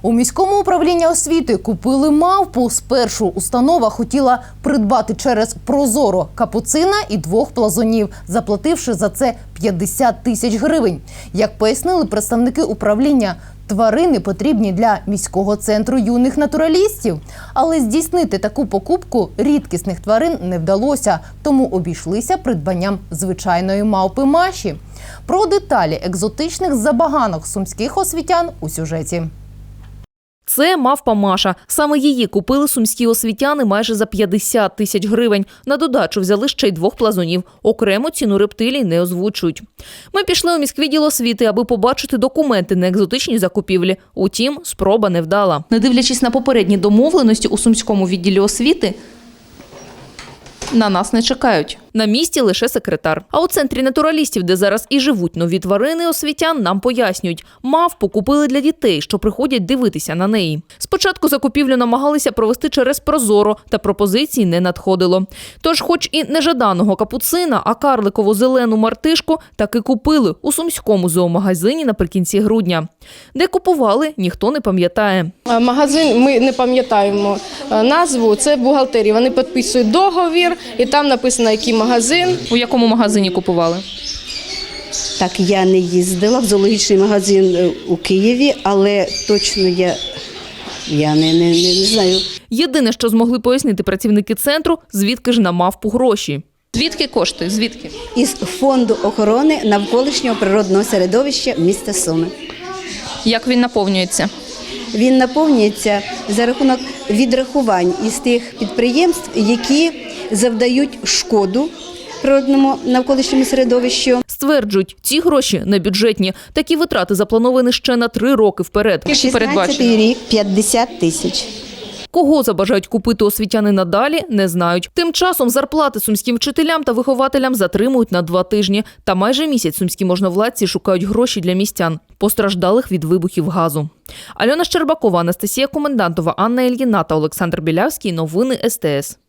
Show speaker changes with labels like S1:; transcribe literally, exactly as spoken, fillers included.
S1: У міському управлінні освіти купили мавпу. Спершу установа хотіла придбати через Прозоро капуцина і двох плазунів, заплативши за це п'ятдесят тисяч гривень. Як пояснили представники управління, тварини потрібні для міського центру юних натуралістів. Але здійснити таку покупку рідкісних тварин не вдалося, тому обійшлися придбанням звичайної мавпи Маші. Про деталі екзотичних забаганок сумських освітян у сюжеті.
S2: Це мавпа Маша. Саме її купили сумські освітяни майже за п'ятдесят тисяч гривень. На додачу взяли ще й двох плазунів. Окремо ціну рептилій не озвучують. Ми пішли у міськвідділ освіти, аби побачити документи на екзотичні закупівлі. Утім, спроба не вдала. Не дивлячись на попередні домовленості у сумському відділі освіти, на нас не чекають. На місці лише секретар. А у центрі натуралістів, де зараз і живуть нові тварини освітян, нам пояснюють. Мавпу купили для дітей, що приходять дивитися на неї. Спочатку закупівлю намагалися провести через Прозоро, та пропозицій не надходило. Тож, хоч і не жаданого капуцина, а карликову зелену мартишку таки купили у сумському зоомагазині наприкінці грудня. Де купували, ніхто не пам'ятає.
S3: Магазин, ми не пам'ятаємо назву, це бухгалтерія. Вони підписують договір і там написано, який магазин.
S2: У якому магазині купували?
S4: Так, я не їздила в зоологічний магазин у Києві, але точно я, я не, не, не, не знаю.
S2: Єдине, що змогли пояснити працівники центру, звідки ж на мавпу гроші. Звідки кошти? Звідки?
S4: Із Фонду охорони навколишнього природного середовища міста Суми.
S2: Як він наповнюється?
S4: Він наповнюється за рахунок відрахувань із тих підприємств, які завдають шкоду природному навколишньому середовищу.
S2: Стверджують, ці гроші не бюджетні. Такі витрати заплановані ще на три роки вперед.
S4: шістнадцятий рік – п'ятдесят тисяч.
S2: Кого забажають купити освітяни надалі, не знають. Тим часом зарплати сумським вчителям та вихователям затримують на два тижні. Та майже місяць сумські можновладці шукають гроші для містян, постраждалих від вибухів газу. Альона Щербакова, Анастасія Комендантова, Анна Ільїна та Олександр Білявський. Новини ес те ес.